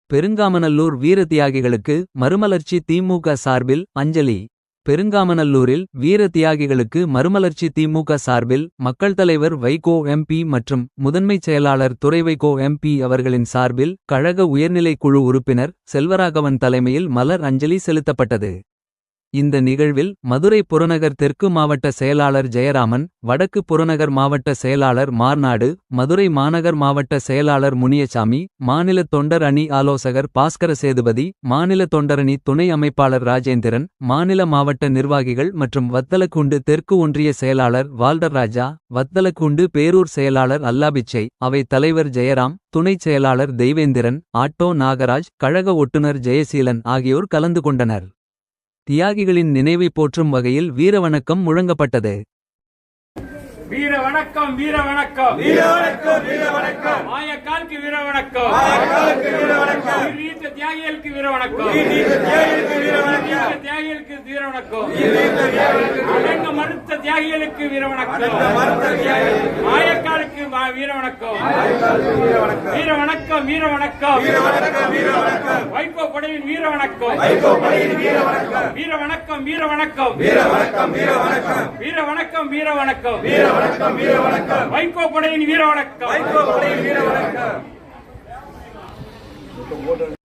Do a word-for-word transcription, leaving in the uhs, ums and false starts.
பெருங்காமநல்லூர் வீர தியாகிகளுக்கு மறுமலர்ச்சி திமுக சார்பில் அஞ்சலி. பெருங்காமநல்லூரில் வீர தியாகிகளுக்கு மறுமலர்ச்சி திமுக சார்பில் மக்கள் தலைவர் வைகோ எம்பி மற்றும் முதன்மைச் செயலாளர் துரை வைகோ எம்பி அவர்களின் சார்பில் கழக உயர்நிலைக் குழு உறுப்பினர் செல்வராகவன் தலைமையில் மலர் அஞ்சலி செலுத்தப்பட்டது. இந்த நிகழ்வில் மதுரை புறநகர் தெற்கு மாவட்ட செயலாளர் ஜெயராமன், வடக்கு புறநகர் மாவட்ட செயலாளர் மார்நாடு, மதுரை மாநகர் மாவட்ட செயலாளர் முனியசாமி, மாநில தொண்டர் அணி ஆலோசகர் பாஸ்கர சேதுபதி, மாநில தொண்டரணி துணை அமைப்பாளர் ராஜேந்திரன், மாநில மாவட்ட நிர்வாகிகள் மற்றும் வத்தலக்குண்டு தெற்கு ஒன்றிய செயலாளர் வால்டர்ராஜா, வத்தலக்குண்டு பேரூர் செயலாளர் அல்லாபிச்சை, அவை தலைவர் ஜெயராம், துணைச் செயலாளர் தெய்வேந்திரன், ஆட்டோ நாகராஜ், கழக ஒட்டுநர் ஜெயசீலன் ஆகியோர் கலந்து கொண்டனர். தியாகிகளின் நினைவை போற்றும் வகையில் வீரவணக்கம் முழங்கப்பட்டது. வீர வணக்கம் வீர வணக்கம் வீர வணக்கம் வீர வணக்கம் மாயக்காலுக்கு வீர வணக்கம் மாயக்காலுக்கு வீர வணக்கம் வீர தியாகிகளுக்கு வீர வணக்கம் வீர தியாகிகளுக்கு வீர வணக்கம் வீர தியாகிகளுக்கு வீர வணக்கம் வீர தியாகிகளுக்கு அடங்க மறுத்த தியாகிகளுக்கு வீர வணக்கம் அடங்க மறுத்த தியாகிகளுக்கு மாயக்காலுக்கு வீர வணக்கம் மாயக்காலுக்கு வீர வணக்கம் வீர வணக்கம் வீர வணக்கம் வீர வணக்கம் வீர வணக்கம் வைகோ படையின் வீர வணக்கம் வைகோ படையின் வீர வணக்கம் வீர வணக்கம் வீர வணக்கம் வீர வணக்கம் வீர வணக்கம் வீர வணக்கம் வீர வணக்கம் வீர வணக்கம் வீர வணக்கம் வைகோ படையின் வீர வணக்கம் வைகோ படையின் வீர வணக்கம்.